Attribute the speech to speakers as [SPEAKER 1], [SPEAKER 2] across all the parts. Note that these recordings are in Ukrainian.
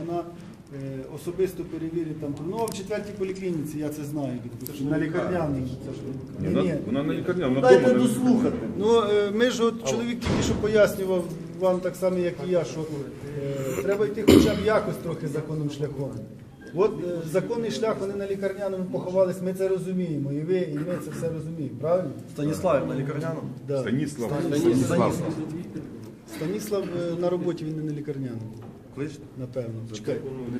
[SPEAKER 1] вона особисто перевірить там. Ну, а в 4-й поліклініці, я це знаю, на лікарняному.
[SPEAKER 2] Вона на лікарняному, вона
[SPEAKER 1] Дайте
[SPEAKER 2] вдома.
[SPEAKER 1] дослухати. Ну, ми ж от чоловік тільки що пояснював вам так само, як і я, що треба йти хоча б якось трохи законним шляхом. От законний шлях, вони на лікарняному поховались, ми це розуміємо, і ви, і ми це все розуміємо, правильно?
[SPEAKER 3] Станіслав на лікарняному?
[SPEAKER 1] Да.
[SPEAKER 2] Станіслав.
[SPEAKER 1] Станіслав на роботі, він не на лікарняному.
[SPEAKER 3] Кличте.
[SPEAKER 1] Напевно. Чекай.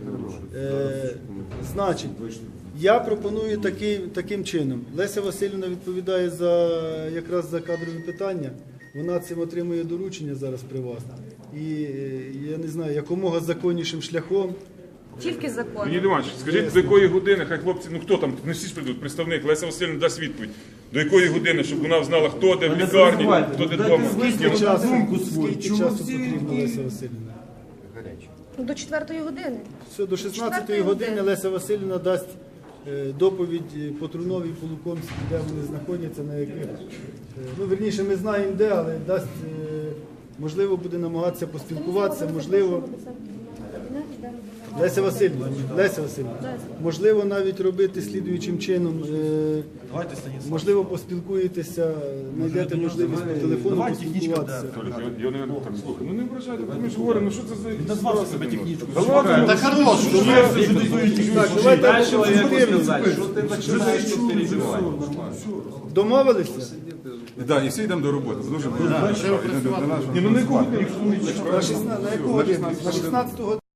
[SPEAKER 1] Значить, я пропоную таким чином. Леся Васильівна відповідає якраз за кадрові питання. Вона цим отримує доручення зараз при вас. І я не знаю, якомога законнішим шляхом.
[SPEAKER 4] Тільки закон.
[SPEAKER 2] Леонід Іванович, скажіть, до якої години, хай хлопці, ну хто там, не всі ж прийдуть, представник, Леся Васильівна дасть відповідь. До якої години, щоб вона знала, хто де в лікарні, хто де вдома.
[SPEAKER 1] Скільки часу потрібно, Леся Васильівна?
[SPEAKER 4] До 4-ї години.
[SPEAKER 1] Все, до 16-ї години Леся Васильівна дасть доповідь по Труновій, по Лукомській, де вони знаходяться, на яких. Ну, верніше, ми знаємо де, але дасть, можливо, буде намагатися поспілкуватися, можливо. Леся Васильівна, можливо, навіть робити слідуючим чином,
[SPEAKER 3] Давайте, Станіслав.
[SPEAKER 1] можливо, поспілкуєтеся, знайдете можливість по телефону
[SPEAKER 3] Давай
[SPEAKER 1] поспілкуватися.
[SPEAKER 2] Я не так слухаю. Ну не вражайте, ми ж говоримо, ну що це за...
[SPEAKER 3] Назвав себе технічку.
[SPEAKER 2] Та ладно,
[SPEAKER 3] Та хорош, що ви
[SPEAKER 1] Так, давайте домовилися?
[SPEAKER 5] Да, і всі йдемо до роботи. Дуже
[SPEAKER 2] Ні, ну на яку годину?
[SPEAKER 1] На яку годину? На 16 годину.